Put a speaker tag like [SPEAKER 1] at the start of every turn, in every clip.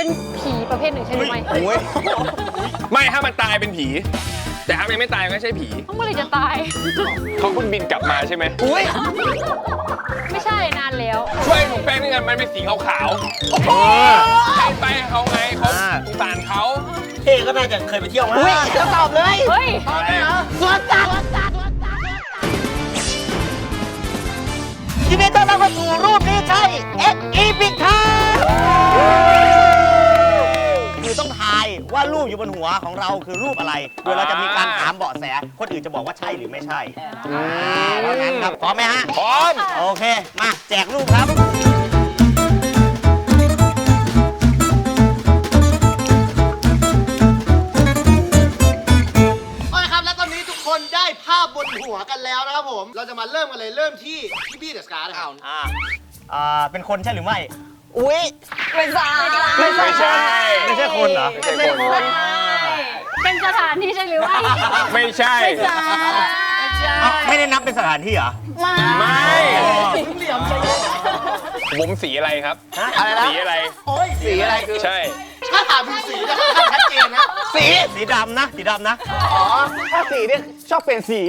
[SPEAKER 1] เป็นผีประเภทหนึ่งใช่หรือไม่
[SPEAKER 2] ไม่ถ้ามันตายเป็นผี แต่ถ้ามันไม่ตายก็ไม่ใช่ผี
[SPEAKER 1] เมื่อไรจะตาย
[SPEAKER 2] เขาเพิ่งบินกลับมาใช่ไหม
[SPEAKER 1] ไม่ใช่นานแล้ว
[SPEAKER 2] ช่วยผมแป้งด้วยกันมันเป็นสีขาวๆให้ไปเขาไงเขาสงสารเขา
[SPEAKER 3] เท่ก็น่าจะเคยไปเที่ยวมา
[SPEAKER 4] จะตอบเลย
[SPEAKER 1] เฮ้ย
[SPEAKER 4] สวนสัตว์ยินดีต้อนรับเข้าสู่รูปนี้ใช่ X Epic ครับคือต้องทายว่ารูปอยู่บนหัวของเราคือรูปอะไร โดยเราจะมีการถามเบาะแส คนอื่นจะบอกว่าใช่หรือไม่ใช่เพราะงั้นครับพร้อมไหมฮะ
[SPEAKER 2] พร้อม
[SPEAKER 4] โอเค มาแจกรูปครับ
[SPEAKER 5] โอเคครับ และตอนนี้ทุกคนได้ภาพบนหัวกันแล้วนะครับผม เราจะมาเริ่มกันเลย เริ่มที่พี่บี้เดอะสการ์นะครับ
[SPEAKER 4] เป็นคนใช่หรือไม่
[SPEAKER 1] อุ้ยเป็นสาร
[SPEAKER 2] ไม่ใช่
[SPEAKER 4] ไม่ใช่คนเหรอ
[SPEAKER 2] ไม่ใช่คน
[SPEAKER 1] เป็นสถานที่ใช่หรือไม่
[SPEAKER 2] ไม่ใช่
[SPEAKER 4] ไม่ได้นับเป็นสถานที่เหรอ
[SPEAKER 2] ไม่ผมสีอะไรครับ
[SPEAKER 4] อะไรนะ
[SPEAKER 2] สีอะไร
[SPEAKER 5] โอ้ย
[SPEAKER 4] สีอะไรคือ
[SPEAKER 2] ใช่
[SPEAKER 5] ถ้าถามถึงสีจะค่อนข้างชัดเจนนะ
[SPEAKER 4] สีดำนะ สีดำนะ
[SPEAKER 6] ถ้าสีเนี่ยชอบเปลี่ยนสี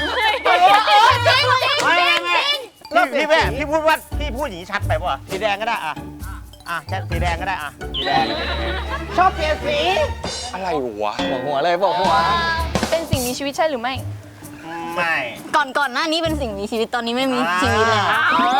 [SPEAKER 4] พี่แม่พี่พูดว่าพี่พูดอย่างนี้ชัดไปป่ะสีแดงก็ได้ชัดสีแดงก็ได้สีแดง
[SPEAKER 6] ชอบเปลี่ยนสี
[SPEAKER 2] อะไรวะ
[SPEAKER 6] บอกหัวเลยบอกหัว
[SPEAKER 1] เป็นสิ่งมีชีวิตใช่หรือไม่
[SPEAKER 4] ไม่
[SPEAKER 7] ก่อนหน้านี้เป็นสิ่งมีชีวิตตอนนี้ไม่มีชีวิตแล้ว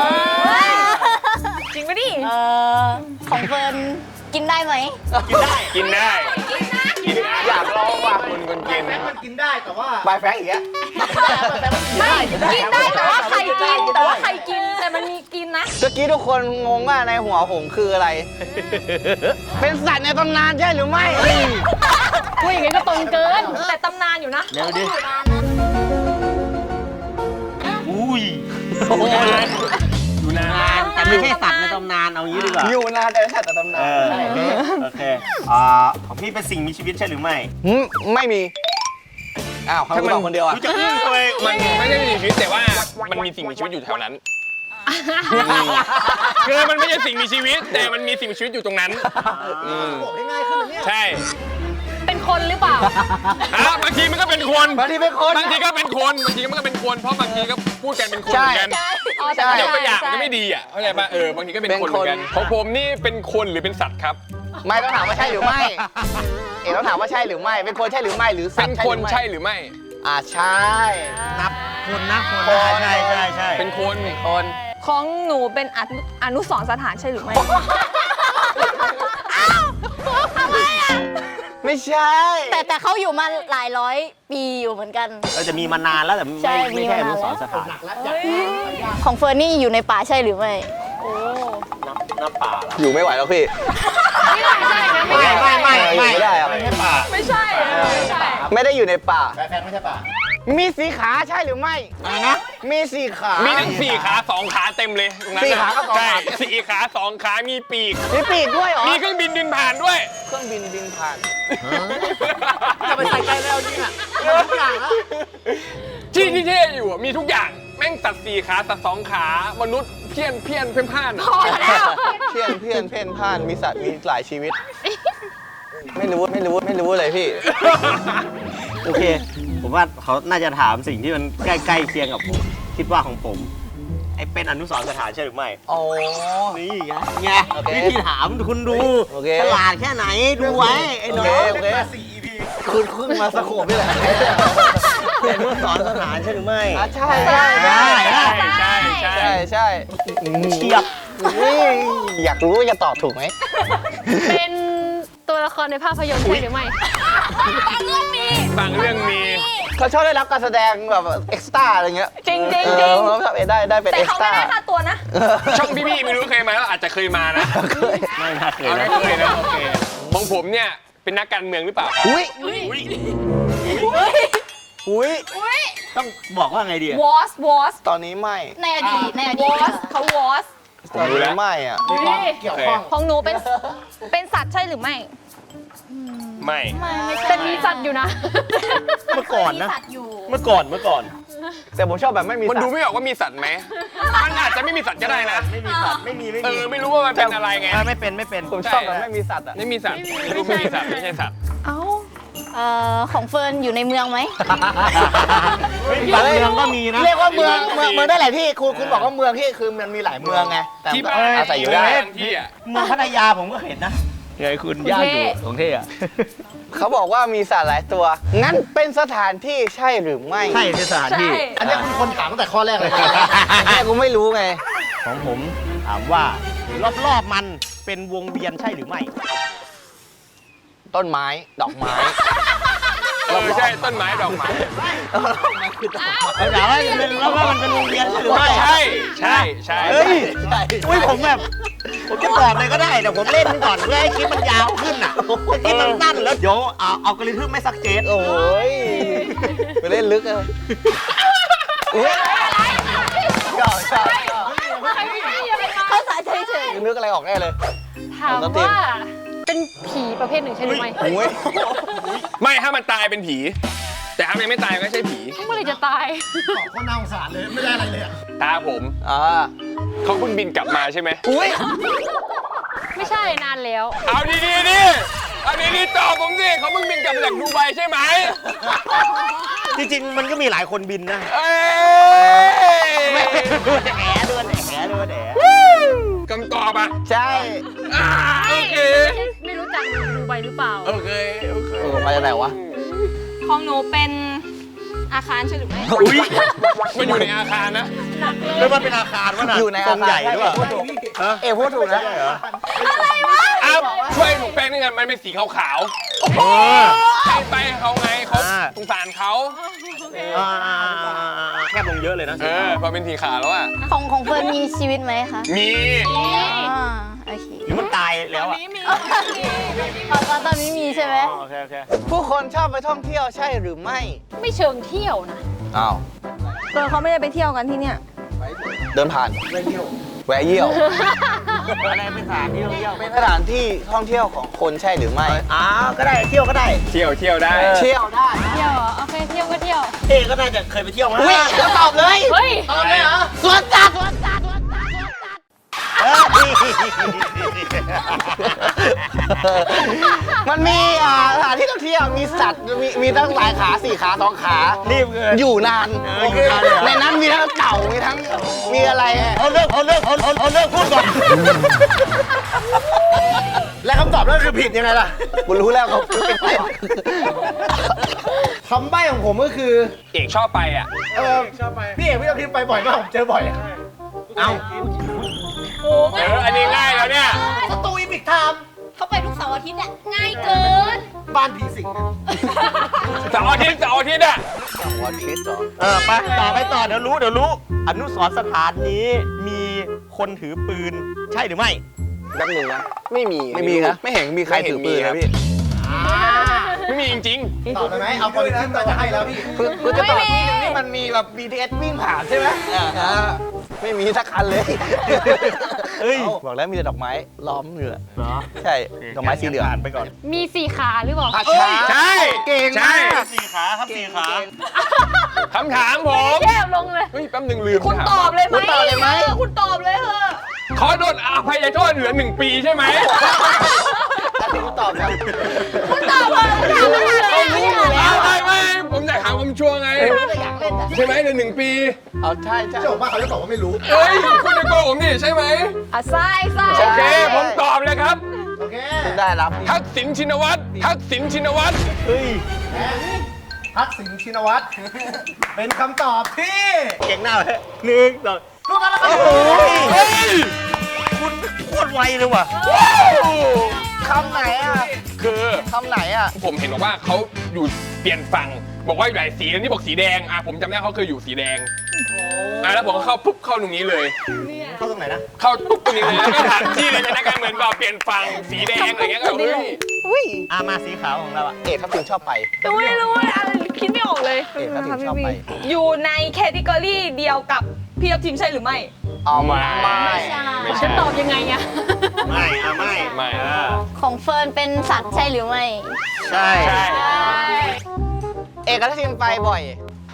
[SPEAKER 1] จริงปะดิ
[SPEAKER 7] ของเฟิร์นกินได้ไหม
[SPEAKER 4] กินได้
[SPEAKER 2] กินได้กินอยากลองว่ะคนกิน
[SPEAKER 5] แม็กมันกินได้แต่ว่า
[SPEAKER 6] บายแฟงอีกแล้ว
[SPEAKER 1] ไม่กินได้แต่ว่าใครกินแต่ว่าใครกินแต่มันมีกินนะ
[SPEAKER 6] เมื่อกี้ทุกคนงงว่าในหัวผมคืออะไร เป็นสัตว์ในตำนานใช่หรือไม่
[SPEAKER 1] พูดอย่างนี้ก็ตรงเกิน แต่ตำนานอยู่นะ
[SPEAKER 4] เร็วดิ
[SPEAKER 2] ดูนาน
[SPEAKER 4] แต่ไม่ใช่สัตว์ในตำนานเอางี้ดีกว่า
[SPEAKER 6] อยู่นานแต่เป็นสัตว์ในตำนาน
[SPEAKER 4] โอเคของพี่เป็นสิ่งมีชีวิตใช่หรือไม่
[SPEAKER 6] ไม่มี อ้าวเขาบอกคนเดียวอ่ะ
[SPEAKER 4] รู้จักอึ้งเลย
[SPEAKER 2] มันไม่ได้มีชีวิตแต่ว่ามันมีสิ่งมีชีวิตอยู่แถวนั้นคือมันไม่ใช่สิ่งมีชีวิต แต่มันมีสิ่งมีชีวิตอยู่ตรงนั้น
[SPEAKER 5] บอกได้ง่ายขึ้นเนี่ย
[SPEAKER 2] ใช่
[SPEAKER 1] เป็นคนหรือเปล่า
[SPEAKER 2] บางทีมันก็เป็นคน
[SPEAKER 6] บางทีเป็นคน
[SPEAKER 2] บางทีก็เป็นคนบางทีมันก็เป็นคนเพราะบางทีก็พูดกันเป็นคนเหมือนกัน
[SPEAKER 1] อ๋อแต่
[SPEAKER 2] ยกตัวอย่าง
[SPEAKER 1] ใช่
[SPEAKER 2] ก็ไม่ดีอ่ะเข้าใจป่ะบางทีก็เป็นคนเหมือนกันของผมนี่เป็นคนหรือเป็นสัตว์ครับ
[SPEAKER 6] ไม่ต้องถามว่าใช่หรือไม่ เอ๋ต้องถามว่าใช่หรือไม่ เป็นคนใช่หรือไม่หรือสั
[SPEAKER 2] เป็
[SPEAKER 6] ต
[SPEAKER 2] น
[SPEAKER 6] ว์
[SPEAKER 2] คนใช่หรือไม่
[SPEAKER 6] ใช่
[SPEAKER 4] นับคนนะคนใช่
[SPEAKER 2] เป็นคน
[SPEAKER 6] คน
[SPEAKER 1] ของหนูเป็นอนุสรณ์สถานใช่หรือไม่
[SPEAKER 6] ไม่ใช่
[SPEAKER 7] แต่เขาอยู่มาหลายร้อยปีอยู่เหมือนกัน
[SPEAKER 4] เราจะมีมานานแล้วแต่
[SPEAKER 7] ใช่
[SPEAKER 4] ไม่ใช่อ
[SPEAKER 7] มี
[SPEAKER 4] นุ
[SPEAKER 7] มานาน
[SPEAKER 4] สรณ์สถาน
[SPEAKER 7] ของเฟิร์นนี่อยู่ในป่าใช่หรือไม่
[SPEAKER 4] น้ำป่าเหรอ
[SPEAKER 6] อยู่ไม่ไหวแล้วพี่
[SPEAKER 1] ไม่ได้ใช่นะไม่ได้
[SPEAKER 6] ไม่ได้อะ
[SPEAKER 4] ไม่ใช่ป่า
[SPEAKER 1] ไม่ใช่ไม่ใช่
[SPEAKER 6] ไม่ได้อยู่ในป่า
[SPEAKER 5] แฟนไม่ใช่ป่ะ
[SPEAKER 6] มีสีขาใช่หรือไม่
[SPEAKER 4] อะไรนะ
[SPEAKER 6] มีสีขา
[SPEAKER 2] มี
[SPEAKER 6] มี
[SPEAKER 2] ทั้ง4 ขา 2 ขาเต็มเลยตรงนั้น
[SPEAKER 6] สี่ขากับสองขา
[SPEAKER 2] ใช่4 ขา 2 ขามีปีก
[SPEAKER 6] มีปีกด้วยเหรอ
[SPEAKER 2] มีเครื่องบินบินผ่านด้วย
[SPEAKER 6] เครื่องบินบินผ่าน
[SPEAKER 5] จะไปใส่ใจแล้วจริงอ่ะทุกอย่างแล้ว
[SPEAKER 2] ที่เท่อยู่อะมีทุกอย่างแม่งสัตว์4 ขาสัตว์2 ขามนุษย์เพี้ยนเพ่นพ่านอะ
[SPEAKER 1] พอแล้ว
[SPEAKER 6] เพี้ยนเพ่นพ่านมีสัตว์มีหลายชีวิต ไม่รู้เลยพี่
[SPEAKER 4] โอเค ผมว่าเขาน่าจะถามสิ่งที่มันใกล้ๆเคียงกับผมคิดว่าของผมไอ้เป็นอนุสรณ์สถานใช่หรือไม่
[SPEAKER 6] อ๋อ
[SPEAKER 4] นี่ไง
[SPEAKER 6] โอเค
[SPEAKER 4] วิธีถามคุณดู
[SPEAKER 6] โอเค
[SPEAKER 4] ฉลาดแค่ไหนดูไว้ไอ้น้อง
[SPEAKER 6] โอเค คุณเพิ่งมาสโคปนี่แหละ
[SPEAKER 4] เป็นอนุสรณ์สถานใช่หรือไม่
[SPEAKER 6] ใช่
[SPEAKER 2] ใช่
[SPEAKER 6] ใช่
[SPEAKER 2] ใช่
[SPEAKER 4] เชียบ
[SPEAKER 6] อยากรู้ว่าจะตอบถูกไหม
[SPEAKER 1] เป็นตัวละครในภาพยนตร์ใช่หรือไม่
[SPEAKER 2] บางเรื่องมี
[SPEAKER 6] เขาชอบได้รับการแสดงแบบเอ็กซ์ต้าอะไรเงี้ย
[SPEAKER 1] จริง
[SPEAKER 6] เขาชอบได้เป็น
[SPEAKER 1] แต่
[SPEAKER 6] เอ็ก
[SPEAKER 1] เขา
[SPEAKER 6] ซ์
[SPEAKER 1] ไม่
[SPEAKER 6] ต้า
[SPEAKER 1] ได้ค่าตัวนะ
[SPEAKER 2] ช่องพี่ไม่รู้เคยมาแล้วอาจจะเคยมานะ
[SPEAKER 4] ไม่น่าเคย
[SPEAKER 2] เอา
[SPEAKER 4] นะ
[SPEAKER 2] ไม่เคยนะโอเคของผมเนี่ยเป็นนักการเมืองหรือเปล่าครับ
[SPEAKER 6] อุ้ย
[SPEAKER 4] ต้องบอกว่าไงดีอะ
[SPEAKER 1] was
[SPEAKER 6] ตอนนี้ไม่
[SPEAKER 7] ในอดีตในอดีต
[SPEAKER 1] was เขา was
[SPEAKER 6] ตอนนี้ไม่อ่ะ
[SPEAKER 5] มีความเกี่ยวข้อง
[SPEAKER 1] ของหนูเป็นสัตว์ใช่หรือไม่
[SPEAKER 2] ไม่
[SPEAKER 1] แต่มีสัตว์อยู่นะ
[SPEAKER 4] เมื่อก่อนนะ
[SPEAKER 7] สัตว์อยู่
[SPEAKER 4] เมื่อก่อน
[SPEAKER 1] ฮ
[SPEAKER 6] แต่ผมชอบแบบไม่มี
[SPEAKER 2] มัน
[SPEAKER 6] สัต
[SPEAKER 2] ดู
[SPEAKER 6] ว์
[SPEAKER 2] ไม่ออกว่ามีสัตว์ไหมมันอาจจะไม่มีสัตว์ก็ได้นะ
[SPEAKER 4] ไม่มีสัตว์ไม่มี
[SPEAKER 2] ไม่รู้ว่ามันเป็นอะไรไง
[SPEAKER 4] ไม่เป็น
[SPEAKER 6] ผมชอบแบบไม่มีสัตว์อ่ะ
[SPEAKER 2] ไม่มีสัตว์ไม่รู้ไม่มีสัตว์ไม่ใช่สัตว์
[SPEAKER 7] เอ้าของเฟิร์นอยู่ในเมืองไหม
[SPEAKER 4] บางเมืองก็มีนะ
[SPEAKER 6] เรียกว่าเมืองได้หลายที่คุณบอกว่าเมืองที่คือมันมีหลายเมืองไงแต่
[SPEAKER 2] ที่บ้าน
[SPEAKER 6] อาศัยอยู่ได้
[SPEAKER 2] ที่อ่ะ
[SPEAKER 4] เมืองพัทยาผมก็เห็นนะไงคุณย่าอยู่ของเท่อะ
[SPEAKER 6] เขาบอกว่ามีสัตว์หลายตัว งั้นเป็นสถานที่ใช่หรือไม่
[SPEAKER 4] ใช่เป็นสถานที่
[SPEAKER 5] อันนี้คุณคนถามตั้งแต่ข้อแรกเลย
[SPEAKER 6] แค่กูไม่รู้ไง
[SPEAKER 4] ของผมถามว่ารอบๆมันเป็นวงเวียนใช่หรือไม่
[SPEAKER 6] ต้นไม้ ดอกไม้
[SPEAKER 2] ใช่ต้นไม้ดอกไม้
[SPEAKER 4] ถามว่าแล้วว่ามันเป็นวงเวียนใช่หรือไม่
[SPEAKER 2] ใช่ใช่ใช่
[SPEAKER 4] เฮ้ย
[SPEAKER 6] ใช่
[SPEAKER 4] อุ้ยผมแบบผมจะตอบเลยก็ได้แต่ผมเล่นก่อนเพื่อให้คลิปมันยาวขึ้นอ่ะคลิปมันสั้นแล้วเดี๋ยวเอากริทึมไม่ซักเจน
[SPEAKER 6] โอ้ยไปเล่นลึกเลยอุ้ยชอบ
[SPEAKER 7] ภาษาเฉย
[SPEAKER 6] นึกอะไรออกแน่เลย
[SPEAKER 1] ถามว่าเป็นผีประเภทหนึ่งใช่หรือไม่
[SPEAKER 6] โอ้ย
[SPEAKER 2] ไม่ถ้ามันตายเป็นผี แต่ถ้ามันยังไม่ตายก็ไม่ใช่ผี
[SPEAKER 1] เมื่อไหรจะตาย
[SPEAKER 5] ตอบข้อน่าสงสารเลย ไม่ได้อะไรเลยอะ
[SPEAKER 2] ตาผม เขาเพิ่งบินกลับมาใช่ไหม
[SPEAKER 6] อุ้ย
[SPEAKER 1] ไม่ใช่นานแล้ว
[SPEAKER 2] เอาดีๆดิเอาดีๆตอบผมสิเขาเพิ่งบินกลับมาจากดูไบใช่ไหม
[SPEAKER 4] จริงๆมันก็มีหลายคนบินนะ
[SPEAKER 2] เอ้ย
[SPEAKER 4] แหดวนแห
[SPEAKER 2] คำตอบอ่ะ
[SPEAKER 6] ใช่
[SPEAKER 2] โอเค
[SPEAKER 1] ไม่รู้จักดูใบหรือเปล่า
[SPEAKER 2] โอเคโอเค
[SPEAKER 6] มาจากไหนวะ
[SPEAKER 1] ของหนูเป็นอาคารใช่หรือไม่
[SPEAKER 2] อุ้ยมันอยู่ในอาคารนะ
[SPEAKER 4] แล้วมันเป็นอาคารวะน่ะ
[SPEAKER 6] อยู่ใน
[SPEAKER 4] ทร
[SPEAKER 6] อาง
[SPEAKER 4] ให
[SPEAKER 6] คา
[SPEAKER 4] ญ่
[SPEAKER 6] ร
[SPEAKER 4] ด้วย
[SPEAKER 6] พูดถูกนะ
[SPEAKER 2] อ้าวช่วยหนูแป้งนี่ไงมันเป็นสีขาวๆให้ไปเขาไงเขาสงสารเขา
[SPEAKER 4] แคบลงเยอะเลยนะ
[SPEAKER 2] พอเป็นสีขาวแล้วอ่ะ
[SPEAKER 7] ๆของเฟิร์นมีชีวิตไหมคะ
[SPEAKER 2] มี
[SPEAKER 7] โอเค
[SPEAKER 4] หรือมันตายแล้วอ่ะ
[SPEAKER 7] ตอนนี้มีใช่ไหม
[SPEAKER 4] โอเคโอเค
[SPEAKER 6] ผู้คนชอบไปท่องเที่ยวใช่หรือไม่
[SPEAKER 1] ไม่เชิงเที่ยวนะ
[SPEAKER 6] อ้าว
[SPEAKER 7] เฟิร์นเขาไม่ได้ไปเที่ยวกันที่เนี่ย
[SPEAKER 6] เดินผ่านแวะเยี่ยว
[SPEAKER 4] อะไรเป็นสถานที่ท่องเที่ยว
[SPEAKER 6] เป็นสถานที่ท่องเที่ยวของคนใช่หรือไม่
[SPEAKER 4] ก็ได้เที่ยวก็ได้
[SPEAKER 2] เที่ยวได้
[SPEAKER 6] เที่ยวได้
[SPEAKER 1] เที่ยวเหรอโอเคเที่ยวก็เที่ยว
[SPEAKER 4] เอ๊ก็น่าจะเคยไปเที่ยวมา
[SPEAKER 6] อุ้ยแล้วตอบเลย
[SPEAKER 1] เฮ้ย
[SPEAKER 5] ตอบเลยเหรอ
[SPEAKER 6] สวนสัตว์มันมีสถานที่ท่องเที่ยวมีสัตว์มีทั้งหลายขา4 ขา2 ขา
[SPEAKER 4] รีบเกิน
[SPEAKER 6] อยู่นาน
[SPEAKER 4] อยู่นานเลยเหรอ
[SPEAKER 6] ในนั้นมีทั้งเต่ามีทั้งมีอะไร
[SPEAKER 4] เอาเลิกพูดก่อน
[SPEAKER 5] และคำตอบนั่นคือผิดยังไงล่ะ
[SPEAKER 6] กูรู้แล้วเขาเป็นใคร
[SPEAKER 5] คำใบ้ของผมก็คือ
[SPEAKER 2] เอกชอบไปอ่ะ
[SPEAKER 5] พี่เอกพี่ทัพทิมไปบ่อยมากผมเจอบ่อยอะ
[SPEAKER 4] เอา
[SPEAKER 2] อันนี้ง่ายแล้วเนี่ย
[SPEAKER 5] สตูอีพิกไทม์
[SPEAKER 7] เขาไปทุกเสาร์อาทิตย์เนี่ยง่ายเกิน
[SPEAKER 5] บ้านผีสิงอะ
[SPEAKER 2] เสาร์อาทิตย์อ่ะ
[SPEAKER 6] วอชิสเหรอ
[SPEAKER 4] ไปต่อเดี๋ยวรู้อนุสรณ์สถานนี้มีคนถือปืนใช่หรือไม่
[SPEAKER 2] แป๊บนึงนะไม่มี
[SPEAKER 6] ไม่มีนะไม่เห็นมีใครถือปืนนะพี่
[SPEAKER 2] ไม่มีจริง
[SPEAKER 5] ตอบได้ไหมเอากริทึมเราจะให้แล้วพี่
[SPEAKER 6] กูจะตอบที่หนึงที่มันมีแบบ BTS วิ่งผ่านใช่ไหมไม่มีสักคันเลย
[SPEAKER 4] เอ้ย
[SPEAKER 6] บอกแล้วมีแต่ดอกไม้ล้อมอยู่อะ
[SPEAKER 4] เหรอ
[SPEAKER 6] ใช่ ดอกไม้สีเหลือง
[SPEAKER 4] ผ่านไปก่อน
[SPEAKER 1] มี4 ขาหรือเปล่า
[SPEAKER 2] ใช่
[SPEAKER 6] เก่ง
[SPEAKER 2] ใช่
[SPEAKER 6] มาก
[SPEAKER 4] 4 ขาครับ4 ขา
[SPEAKER 2] คำถามผม
[SPEAKER 1] แย่ลงเลย
[SPEAKER 2] เฮ้ยแป๊บนึงลืม
[SPEAKER 1] คุณ
[SPEAKER 2] ถาม
[SPEAKER 1] ตอบเลยไหม
[SPEAKER 6] คุณตอบเลยไหม
[SPEAKER 1] คุณตอบเลยเหอะ
[SPEAKER 2] ขอโดนอภัยโทษเหลือ1 ปีใช่ไหม
[SPEAKER 6] แล้วที่กูตอบเนี่ย
[SPEAKER 1] คุณตอบเลยคุณถามมาเลย
[SPEAKER 2] ไม่ผมอยากถามผมชัวร์ไง
[SPEAKER 6] อยากเล่นอะ
[SPEAKER 2] ใช่ไหมเหลือ1 ปี
[SPEAKER 6] เอาใช่ใช่
[SPEAKER 5] เจ้าของบ้านเขาจะบอกว่าไม่รู้
[SPEAKER 2] เฮ้ยคุณจะโกงผมนี่ใช่ไหม
[SPEAKER 1] อ่ะทราย
[SPEAKER 2] โอเค ผมตอบเลยครับ
[SPEAKER 5] โอเค
[SPEAKER 6] คุณได้รับ
[SPEAKER 2] ทักษิณชินวัตรทักษิณชินวัตร
[SPEAKER 4] เฮ้ย
[SPEAKER 5] ทักษิณชินวัตร เป็นคำตอบที่
[SPEAKER 4] เก่งหน้าเลย1 2
[SPEAKER 5] ถูกต้องแล้วครับ
[SPEAKER 2] เฮ้ย
[SPEAKER 4] คุณโคตรไวเลยว่ะ
[SPEAKER 6] คำไหนอ่ะ
[SPEAKER 2] คือ
[SPEAKER 6] คำไหนอ่ะ
[SPEAKER 2] ผมเห็นบอกว่าเขาอยู่เปลี่ยนฝั่งบอกว่าอยู่หลายสีแล้วนี่บอกสีแดงผมจำได้เขาเคยอยู่สีแดงแล้วผมก็เข้าปุ๊บเข้าตรงนี้เลย
[SPEAKER 4] เข้าตรงไหนนะ
[SPEAKER 2] เข้าปุ๊บตรงนี้เลยแล้วก็ถามที่เลยนะการเหมือนแบบเปลี่ยนฝั่งสีแดงอะไรเงี้ยก็เฮ้ย
[SPEAKER 6] อุ้ย
[SPEAKER 4] มาสีขาวของเราอะ
[SPEAKER 6] เอกทัพทิมชอบไป
[SPEAKER 1] รู้อะไรคิดไม่ออกเลย
[SPEAKER 6] เอกทัพทิมชอบไป
[SPEAKER 1] อยู่ในแคตตากรีเดียวกับพี่ทัพทิมใช่หรือไม่
[SPEAKER 6] เอามาไม่
[SPEAKER 1] ฉันตอบยังไงอะ
[SPEAKER 4] ไม่
[SPEAKER 7] ของเฟิร์นเป็นสัตว์ใช่หรือไม่
[SPEAKER 4] ใช่
[SPEAKER 2] ใช่
[SPEAKER 6] เอกทัพทิมไปบ่อย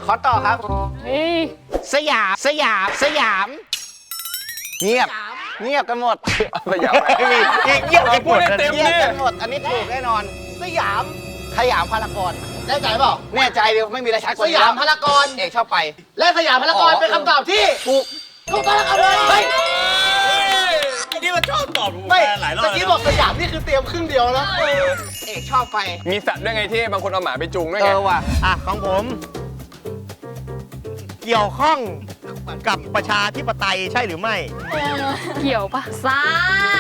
[SPEAKER 6] ขอต่อครับ
[SPEAKER 1] สยาม
[SPEAKER 6] สยาม เงียบ เงียบกันหมด
[SPEAKER 2] สยาม
[SPEAKER 4] ไม่มีเงียบไปหมด
[SPEAKER 2] เต็ม
[SPEAKER 6] เงียบ
[SPEAKER 2] นี่
[SPEAKER 6] กันหมด อันนี้ถูกแน่นอน
[SPEAKER 5] สยาม
[SPEAKER 6] ขยามพารากอน
[SPEAKER 5] แน่ใจเปล่า
[SPEAKER 6] แน่ใจเดียวไม่มีอะไรชัดก
[SPEAKER 5] ส
[SPEAKER 6] ว่านี้
[SPEAKER 5] ยาม
[SPEAKER 6] แล้ว
[SPEAKER 5] พารากอน
[SPEAKER 6] เอกชอบไป
[SPEAKER 5] และสยามพารากอนเป็นคำตอบที่
[SPEAKER 6] ถูก
[SPEAKER 5] ถูกต้องแล้วครับเฮ้ย
[SPEAKER 4] ไอ้นี่มันชอบตอบถูก
[SPEAKER 5] ไม่
[SPEAKER 4] หลายรอบ
[SPEAKER 5] ตะกี้บอกสยามนี่คือเตรียมครึ่งเดียวแล้ว
[SPEAKER 6] เอกชอบไป
[SPEAKER 2] มีสัตว์ด้วยไงที่บางคนเอาหมาไปจูงด้วย
[SPEAKER 6] เอ
[SPEAKER 2] ไง
[SPEAKER 6] อว่ะ
[SPEAKER 4] อ่ะของผม เกี่ยวข้องกับประชาธิปไตยใช่หรือไม่
[SPEAKER 1] เกี่ยวปะ
[SPEAKER 7] ซ้าย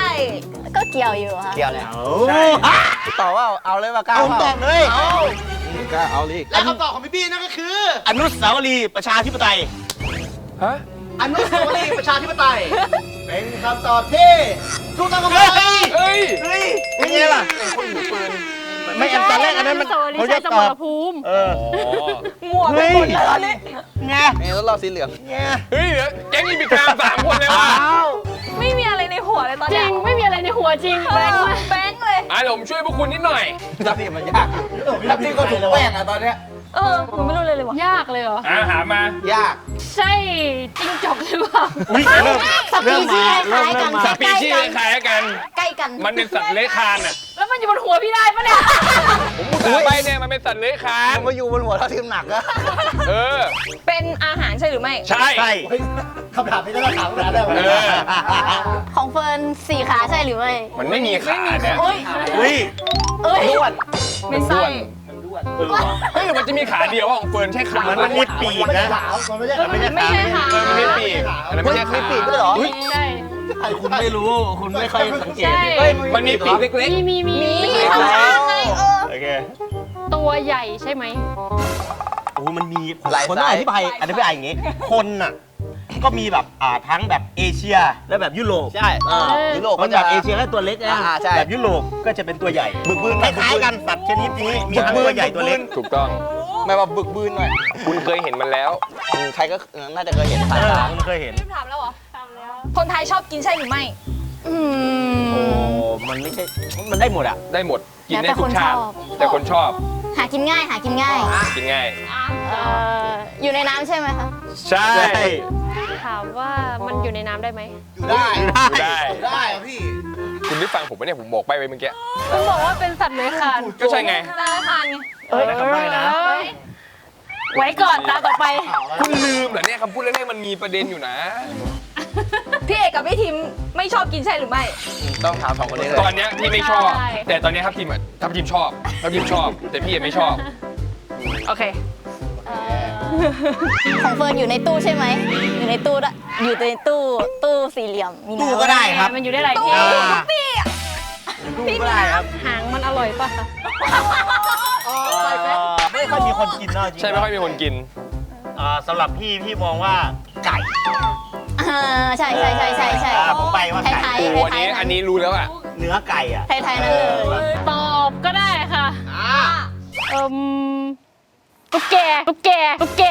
[SPEAKER 7] ก็เกี่ยวอยู่ค่ะ
[SPEAKER 6] เกี่ยวแล้ว
[SPEAKER 4] ใช่
[SPEAKER 6] ต่อว่าเอาเลยว่ากล้า
[SPEAKER 4] เอาผมตอบเลย
[SPEAKER 6] กล้าเอาลิ
[SPEAKER 5] และคำตอบของพี่บี้นั่นก็คือ
[SPEAKER 4] อนุสาวรีย์ประชาธิปไตย
[SPEAKER 2] ฮะ
[SPEAKER 5] อนุสาวรีย์ประชาธิปไตย เป็นคำตอบที่ถูกต้องครับผม
[SPEAKER 2] เฮ้ย
[SPEAKER 4] เฮ้ยเป็นไงล่ะ
[SPEAKER 2] เป็นคนถือปืน
[SPEAKER 4] ไม่อันตอนแรกอันนั้นมันเขาจะตอบเออ
[SPEAKER 1] มั่วไปหมดแล้วนี่
[SPEAKER 4] ไง
[SPEAKER 6] นี่รถเราสีเหลือง
[SPEAKER 4] ไง
[SPEAKER 2] เฮ้ยเดี๋ยวแก๊งนี้มีการ3 คนเลยว่ะ
[SPEAKER 1] ไม่มีอะไรในหัวเลยตอน
[SPEAKER 8] จ
[SPEAKER 1] เนี้
[SPEAKER 8] ริ
[SPEAKER 1] ย
[SPEAKER 8] ง ไม่มีอะไรในหัวจริงแบงค์มาก
[SPEAKER 1] แบงค์เลย
[SPEAKER 2] อ่ะเดี๋ยวผมช่วยพวกคุณนิดหน่อย
[SPEAKER 6] ทับทิมมันยากทับทิมก็ถูกแป้งอะตอนเนี้ย
[SPEAKER 1] หนูไม่รู้เลยว่ะ
[SPEAKER 8] ยากเลยเหรอ
[SPEAKER 2] หามา
[SPEAKER 6] ยาก
[SPEAKER 8] ใช่จิ้งจกหรือเปล่า
[SPEAKER 4] อุ้ยเริ่ม
[SPEAKER 7] สปีชีส์คล้ายๆกัน
[SPEAKER 2] สปีชีส์คล้ายๆกัน
[SPEAKER 7] ใกล้กัน
[SPEAKER 2] มันเป็นสัตว์เลื้อยคลานอ่ะ
[SPEAKER 8] แล้วมันอยู่บนหัวพี่ได้ปะเนี่ย
[SPEAKER 2] ผมพูดต่อไปเนี่ยมันเป็นสัตว์เลื้อยคลาน
[SPEAKER 6] มาอยู่บนหัวทับทิมหนักอะ
[SPEAKER 2] เออ
[SPEAKER 1] เป็นอาหารใช่หรือไม่
[SPEAKER 2] ใช่
[SPEAKER 4] ใช่
[SPEAKER 5] เฮ้ยคำถามนี้ต้องถามคำถามได้ไหม
[SPEAKER 2] เออ
[SPEAKER 7] ของเฟิร์น4 ขาใช่หรือไม่
[SPEAKER 2] มันไม่มีขาเนี่ย
[SPEAKER 7] โอ้ย
[SPEAKER 4] อุ้ย
[SPEAKER 7] เอ้ย
[SPEAKER 6] ด้วน
[SPEAKER 1] ไม่ใช่
[SPEAKER 2] เฮ้ยหรือมันจะมีขาเดียวของเฟิร์นใช่ขา
[SPEAKER 4] เหมือนมันมีปีก
[SPEAKER 5] มัน
[SPEAKER 4] นะ
[SPEAKER 5] ขาวมันไม่ใช่
[SPEAKER 4] มันไม่ใช่
[SPEAKER 8] ไม่ใช่ค่ะ
[SPEAKER 2] เออมันมีปีกอันนั้นไม่ใช่ขา
[SPEAKER 6] ปีกด้วยเหรอ
[SPEAKER 2] อุ๊ย
[SPEAKER 8] ใช่
[SPEAKER 5] คุณไม่รู้
[SPEAKER 4] คุณไม่ค่อยสังเกต
[SPEAKER 8] ใช่
[SPEAKER 6] เฮ้ย
[SPEAKER 2] มันมีปีกเล็ก
[SPEAKER 8] มี
[SPEAKER 7] ข้างๆไง
[SPEAKER 4] โอเค
[SPEAKER 8] ตัวใหญ่ใช่ไหม
[SPEAKER 4] โอ้มันมีคนต้องอธิบายอย่างงี้ คนน่ะ ก็มีแบบทั้งแบบเอเชียและแบบยุโรป
[SPEAKER 6] ใช่ยุโรป
[SPEAKER 4] มั
[SPEAKER 6] ก็
[SPEAKER 4] น
[SPEAKER 6] จะ
[SPEAKER 4] แบบเอเชียก็ตัวเล็กนะ
[SPEAKER 6] ใช่
[SPEAKER 4] แบบยุโรปก็จะเป็นตัวใหญ่ บึกบืนคล้ายๆกันสัตว์ชนิดนี้มีทั้งตัวใหญ่ตัวเล็ก
[SPEAKER 2] ๆ ถูกต้อง
[SPEAKER 6] ไม่ว่าบึกบืนหน่อย
[SPEAKER 2] คุณเคยเห็นมันแล้ว
[SPEAKER 6] ใครก็น่าจะเคยเห็นผ่านตา
[SPEAKER 4] คุณเคยเห็น
[SPEAKER 1] ถามแล้วเหรอ คนไทยชอบกินใช่หรือไม่
[SPEAKER 4] โอ้มันไม่ใช่ มันได้หมดอ่ะ
[SPEAKER 2] ได้หมด กินได้ทุกชาติ
[SPEAKER 7] แล้วแต่
[SPEAKER 2] แต่คนชอบ
[SPEAKER 7] หากินง่าย หากินง่าย
[SPEAKER 2] กินง่าย
[SPEAKER 7] อยู่ในน้ำใช่ไหมคะ
[SPEAKER 2] ใช่
[SPEAKER 8] ถามว่ามันอยู่ในน้ำได้ไหม
[SPEAKER 5] อยู่ได้
[SPEAKER 2] ได้
[SPEAKER 5] ได้อะพี่
[SPEAKER 2] คุณได้ฟังผมไหมเนี่ย ผมบอกไปเมื่อกี้
[SPEAKER 8] คุณบอกว่าเป็นสัตว์เลื้อยคลาน
[SPEAKER 2] ก็ใช่ไง
[SPEAKER 1] ตาทานไง
[SPEAKER 4] ได้คำใบ้นะ
[SPEAKER 8] ไว้ก่อนตาต่อไป
[SPEAKER 2] คุณลืมเหรอเนี่ยคำพูดแรกๆมันมีประเด็นอยู่นะ
[SPEAKER 1] พี่เอกกับพี่ทิมไม่ชอบกินใช่หรือไม่
[SPEAKER 6] ต้องถาม2 คนนี้เลย
[SPEAKER 2] ตอนเนี้ยที่ไม่ชอบ
[SPEAKER 8] ใช่
[SPEAKER 2] แต่ตอนเนี้ยทัพทีมชอบทัพทีมชอบ แต่พี่ยังไม่ชอบ
[SPEAKER 1] โอเค
[SPEAKER 7] ของเฟิร์นอยู่ในตู้ใช่ไหม อยู่ในตู้ด้วยอยู่ในตู้สี่เหลี่ยม มีน้ำ
[SPEAKER 4] ตู้ก็ได้ครับ
[SPEAKER 8] มันอยู่ได้หลายที่
[SPEAKER 4] ตู้ก็ได้ครับ
[SPEAKER 8] หางมันอร่อยป่ะคะ
[SPEAKER 4] ไม่ค่อยมีคนกินเนาะจริง
[SPEAKER 2] ใช่ไม่ค่อยมีคนกิน
[SPEAKER 4] สำหรับพี่มองว่าไก่
[SPEAKER 7] ใช่
[SPEAKER 4] ผมไปว่าไก่
[SPEAKER 7] ไทย
[SPEAKER 2] โอ้
[SPEAKER 7] ๆ
[SPEAKER 2] โหอันนี้รู้แล้วอ่ะ
[SPEAKER 4] เนื้อไก่อ่ะ
[SPEAKER 7] ไทยๆนั่นเลย
[SPEAKER 8] ตอบก็ได้ค่ะ ตุ๊กแก ตุ๊กแก ตุ๊กแก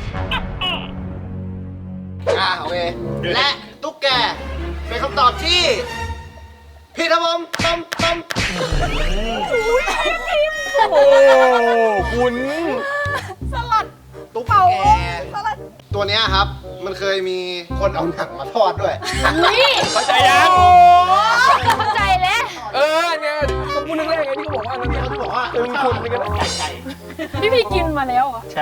[SPEAKER 5] โอเค และตุ๊กแก เป็นคำตอบที่ผิดครับผมต้ม
[SPEAKER 2] โอ้คุณ
[SPEAKER 5] ตุ๊กแก ตัวเนี้ยครับ มันเคยมีคนเอาหนังมาทอดด้วย
[SPEAKER 2] เข้าใจยัง
[SPEAKER 8] เข้าใจแล้ว
[SPEAKER 2] เนี่ยก็พูดเรื่องแรกไงที่เขาบอกว่ามันเนี่ย
[SPEAKER 5] เขาบอกว่า
[SPEAKER 2] เป็นคนเป็นกัน
[SPEAKER 4] ไก่
[SPEAKER 8] พี่กินมาแล้วเหรอ
[SPEAKER 4] ใช่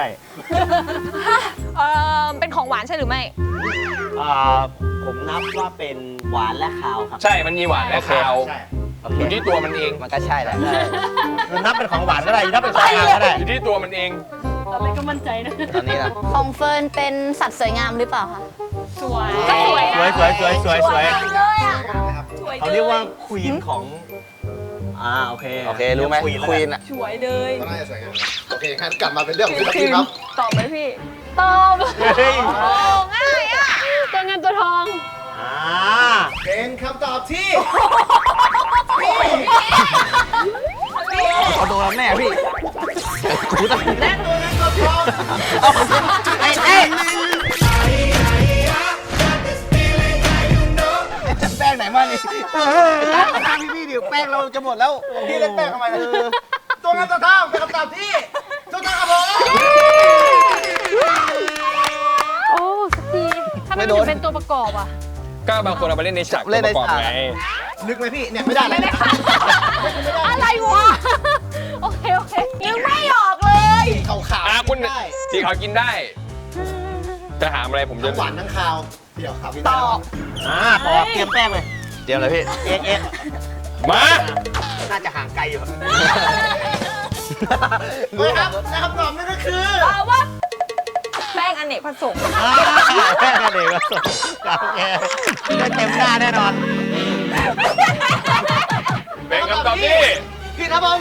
[SPEAKER 1] เป็นของหวานใช่หรือไม่
[SPEAKER 4] ผมนับว่าเป็นหวานและคาวครับ
[SPEAKER 2] ใช่ มันมีหวานและคาว
[SPEAKER 4] ใช่
[SPEAKER 2] อยู่ที่ตัวมันเอง
[SPEAKER 6] มันก็ใช่แหละ
[SPEAKER 4] นับเป็นของหวานก็ได้นับเป็นของคาวก็ได้
[SPEAKER 2] อยู่ที่ตัวมันเอง
[SPEAKER 8] ตอนแรกก็มั่นใจนะ
[SPEAKER 6] ตอนนี้นะ
[SPEAKER 7] ของเฟิร์นเป็นสัตว์สวยงามหรือเปล่าคะ
[SPEAKER 8] สวย
[SPEAKER 1] ก็สวย
[SPEAKER 4] สวย
[SPEAKER 7] เลยอ่ะ
[SPEAKER 4] เขาเรียกว่าควีนของโอเค
[SPEAKER 6] โอเค รู้ไหมควีนอะ
[SPEAKER 1] สวยเลย
[SPEAKER 5] ก็น่าจะสวยงามโอเคงั้นกลับมาเป็นเรื่องของพี่ครับ
[SPEAKER 1] ตอบไหมพี่
[SPEAKER 8] ตอบ
[SPEAKER 4] เฮ้ย
[SPEAKER 1] ง่ายอ่ะ
[SPEAKER 8] ตัวเงินตัวทอง
[SPEAKER 5] เป็นคำตอบที่
[SPEAKER 6] เอาโดนแน่พี่
[SPEAKER 5] และตัวนั้นก็พร้อม
[SPEAKER 6] ไอ้แป้งไหนมานี่ตามพี่ดิแป้งเราจะหมดแล้ว
[SPEAKER 5] พี่เล่นแป้งทำไมนะตัวนั้นตัวท่าเป็นคำตอบที่ถูกต้องครับผม
[SPEAKER 6] ไม่โดน
[SPEAKER 8] เป็นตัวประกอบอ่ะ
[SPEAKER 2] ก็บางคนเอาไปเล่นในฉาก
[SPEAKER 6] เล่นใน
[SPEAKER 2] ประกอบ
[SPEAKER 6] ฉาก
[SPEAKER 2] ไง
[SPEAKER 5] นึกไหมพี่ เนี่ยไม่ได้เลย
[SPEAKER 8] อะไรวะ โอเคโอเค
[SPEAKER 1] นึกไม่ออกเลย
[SPEAKER 5] ขาว
[SPEAKER 2] คุณ
[SPEAKER 5] ได้
[SPEAKER 2] ที่เขากินได้ จะถามอะไรผมจะ
[SPEAKER 5] ทั้งหวานทั้งคาว เดี๋ยวครับพี่
[SPEAKER 1] ตอบ
[SPEAKER 4] ต่อเตรียมแป้งเลย
[SPEAKER 6] เตรียมเลยพี่
[SPEAKER 4] เอ๊ะ
[SPEAKER 2] มา
[SPEAKER 4] น่าจะห่างไกลอยู่
[SPEAKER 5] เฮ้ยครับและคำตอบนั่นก็คือ
[SPEAKER 1] ตอบว่าแป้งอเนกประสงค์
[SPEAKER 4] แป้งกันเองก็สดโอเคได้เต็มหน้าแน่นอน
[SPEAKER 2] เป็นคำตอบที่
[SPEAKER 5] ผิดครับผม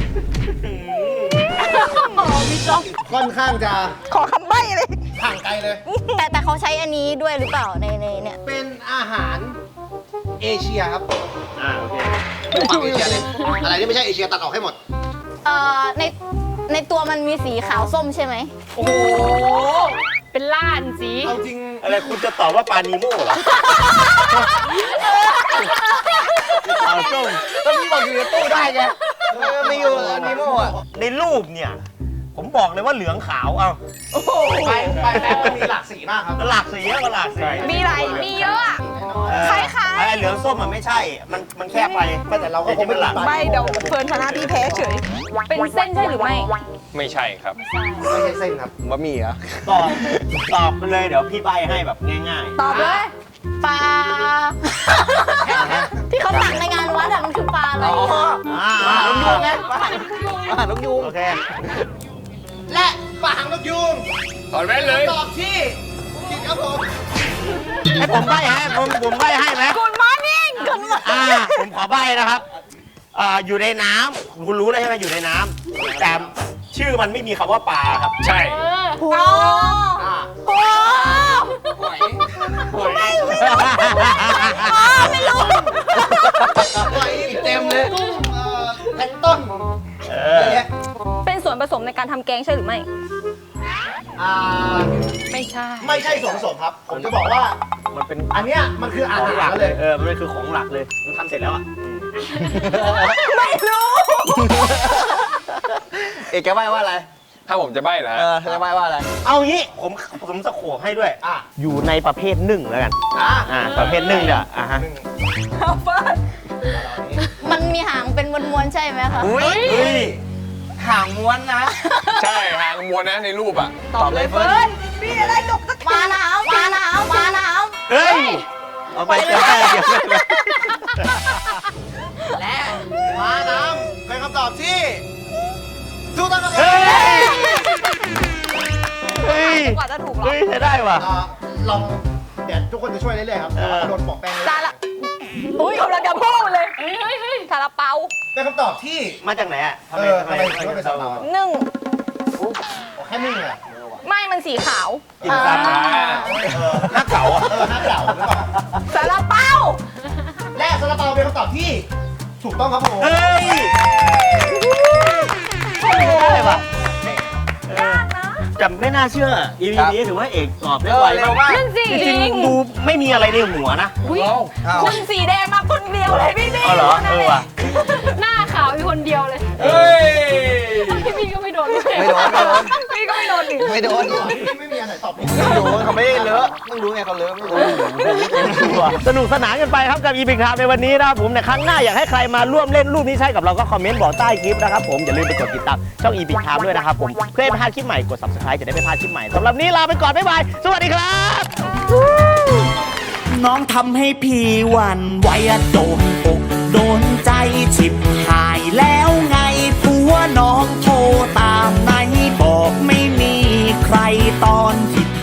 [SPEAKER 5] ค่อนข้างจะ
[SPEAKER 7] ขอคำใบ้เลย
[SPEAKER 5] ห่างไกลเลย
[SPEAKER 7] แต่เขาใช้อันนี้ด้วยหรือเปล่าในเนี่ย
[SPEAKER 5] เป็นอาหารเอเชียครับ
[SPEAKER 4] โอเค
[SPEAKER 5] ฝั่งเอเชียเลยอะไรที่ไม่ใช่เอเชียตัดออกให้หมด
[SPEAKER 7] ในตัวมันมีสีขาวส้มใช่ไหม
[SPEAKER 8] โอ้โห เป็นล้านสี
[SPEAKER 5] เอาจริง
[SPEAKER 4] อะไรคุณจะตอบว่าปลานีโม่เหรอเอาส้ม
[SPEAKER 6] ก็พี่บอกอยู่ในตู้ได้ไงไม่อยู่อันนี้โม่อะ
[SPEAKER 4] ในรูปเนี่ย ผมบอกเลยว่าเหลืองขาวเอา
[SPEAKER 5] ไปแล้วมันมีหลากสีมากครับ
[SPEAKER 4] หลากสีอะมันหลากสี
[SPEAKER 1] มีอะไรมีเยอะอะ คล้ายๆ
[SPEAKER 4] ไอ้เหลืองส้มมันไม่ใช่ มันแค่ไป
[SPEAKER 5] แต่เราก็คงไม่
[SPEAKER 4] หลัก
[SPEAKER 5] ตัด
[SPEAKER 1] ใบเดี๋ยวเฟิร์นชนะพี่แพ้เฉย เป็นเส้นใช่หรือไม่
[SPEAKER 2] ไม่ใช่ครับ
[SPEAKER 5] ไม่ใช่เส้นครับ
[SPEAKER 6] บะหมี่เหรอ
[SPEAKER 4] ตอบไปเลยเดี๋ยวพี่ใบให้แบบง่าย
[SPEAKER 1] ตอบเลย
[SPEAKER 7] ปลา ที่เขาตักในงานวัดอะมันคือปลาอะไร
[SPEAKER 6] อ๋อ
[SPEAKER 4] ๆ
[SPEAKER 6] ลูกยูงไงลูกยูง
[SPEAKER 4] โอเค
[SPEAKER 5] และปลาหางนกยูง
[SPEAKER 2] ตอบแม่นเลย
[SPEAKER 5] ตอบที่ผิดครับผม
[SPEAKER 4] ให้ผมใบให้ผมใบให้ไหม
[SPEAKER 1] Good morning Good morning
[SPEAKER 4] ผมขอใบนะครับอยู่ในน้ำคุณรู้แล้วใช่ไหมอยู่ในน้ำแต่ชื่อมันไม่มีคำว่าปลาครับ
[SPEAKER 2] ใช่
[SPEAKER 1] โอ้
[SPEAKER 7] โอ้
[SPEAKER 5] หอย
[SPEAKER 7] ไม่รู้
[SPEAKER 5] หอยเต็มเลยกุ้งแพลงก์ต้นเยอะแยะ
[SPEAKER 1] เป็นส่วนผสมในการทำแกงใช่หรือไม่
[SPEAKER 5] อ่า
[SPEAKER 1] ไม่ใช่
[SPEAKER 5] ไม่ใช่ส่วนผสมครับ ผมจะบอกว่า
[SPEAKER 4] มันเป็น
[SPEAKER 5] อันเนี้ยมันคืออา
[SPEAKER 4] ของ
[SPEAKER 5] หา
[SPEAKER 4] หลั
[SPEAKER 5] ร
[SPEAKER 4] ก
[SPEAKER 5] เลย
[SPEAKER 4] มันคือของหลักเลยมันทำเสร็จแล้วอ่ะ
[SPEAKER 1] ไม่รู้
[SPEAKER 6] เอกจะใบ้ว่าอะไร
[SPEAKER 2] ถ้าผมจะใบ้เหรอ
[SPEAKER 6] เออจะใบ้ว่าอะไร
[SPEAKER 4] เอางี้ผมสะโขบให้ด้วย
[SPEAKER 5] อ่ะ
[SPEAKER 4] อยู่ในประเภทนึ่งแล้วกัน
[SPEAKER 5] อ่ะ
[SPEAKER 4] ประเภทนึ่งเนี่ยฮะ
[SPEAKER 1] เฟิร์น
[SPEAKER 7] มันมีหางเป็นมวนๆใช่ไหมคะ
[SPEAKER 6] อุ้ย
[SPEAKER 4] เฮ้ย
[SPEAKER 6] ห่างม้วนนะ
[SPEAKER 2] ใช่หางมวนนะในรูปอ่ะ
[SPEAKER 1] ตอบเลยเฟิร์นมีอะไรตกตะ
[SPEAKER 7] ปลาหนาวปลาหนาวปลาหนาว
[SPEAKER 4] เฮ้ยเอาไปเดี๋ยวแม่เดี๋ยวแม่
[SPEAKER 5] และม้าน้ำเป็นคำตอบที่ถูกต้องครับ
[SPEAKER 4] เฮ้ยเฮ้ย
[SPEAKER 1] กว่าจะถูกหรอ
[SPEAKER 4] เฮ้ยใช้ได้ว่ะ
[SPEAKER 5] ลองเดี๋ยวทุกคนจะช่วยเรื่อยๆครับโดนปอกแป้งเลย
[SPEAKER 1] ซาละอุ้ยกำลังจะพูดเลยซาลาเปา
[SPEAKER 5] เป็นคำตอบที่
[SPEAKER 4] มาจากไหนอ่ะทำไม
[SPEAKER 5] ทำไมถึงเป็นซาลาเปา
[SPEAKER 1] นึ่ง
[SPEAKER 5] แค่นึ่งเหรอ
[SPEAKER 1] ไม่มันสีขาว
[SPEAKER 4] กินซาลาหน้าเก๋าอ่ะ
[SPEAKER 5] หน้าเก่าหรือเปล่า
[SPEAKER 1] ซาลาเปา
[SPEAKER 5] และซาลาเปาเป็นคำตอบที่ถูกต้องครับผม
[SPEAKER 4] เฮ้ยได้ป่ะแต่ไม่น่าเชื่อ EP นี้ถือว่าเอกตอบได้ไว
[SPEAKER 6] เร็วมาก
[SPEAKER 1] นั่นสิ
[SPEAKER 4] จริงๆดูไม่มีอะไรในหัวนะ
[SPEAKER 1] อุ้ย
[SPEAKER 6] อ้าว
[SPEAKER 1] คุณสีแดงมาคนเดียวเลยพี่นี่
[SPEAKER 4] อ๋อเหรอว่ะ
[SPEAKER 8] หน้าขาวอยู่คนเดียวเลย
[SPEAKER 2] เฮ้ย
[SPEAKER 8] พี่ก็ไม่โดนด้วย
[SPEAKER 6] ไม่โดนไม่โดน
[SPEAKER 1] พี่ก็ไม่โดนดิ
[SPEAKER 6] ไม่โดน
[SPEAKER 5] ไม่มีอะไรตอบผิด
[SPEAKER 6] ไม่โดนเขาไม่ได้เลอะมึงรู้ไงเขาเลอะไม่รู้
[SPEAKER 4] สนุกสนานกันไปครับกับ EP ครับในวันนี้นะครับผมในครั้งหน้าอยากให้ใครมาร่วมเล่นรูปนี้ใช่กับเราก็คอมเมนต์บอกใต้คลิปนะครับผมอย่าลืมไปกดติดตามช่อง EP ครับด้วยนะครับผมเพื่อไม่พลาดคลิปใหม่กด Subscribe จะได้ไม่พลาดคลิปใหม่สำหรับนี้ลาไปก่อนบ๊ายบายสวัสดีครับ
[SPEAKER 9] น้องทำให้พี่หวั่นไหวอะโดนอกโดนใจฉิบหายแล้วไงผัวน้องโทรตามไหนบอกไม่มีใครตอนที่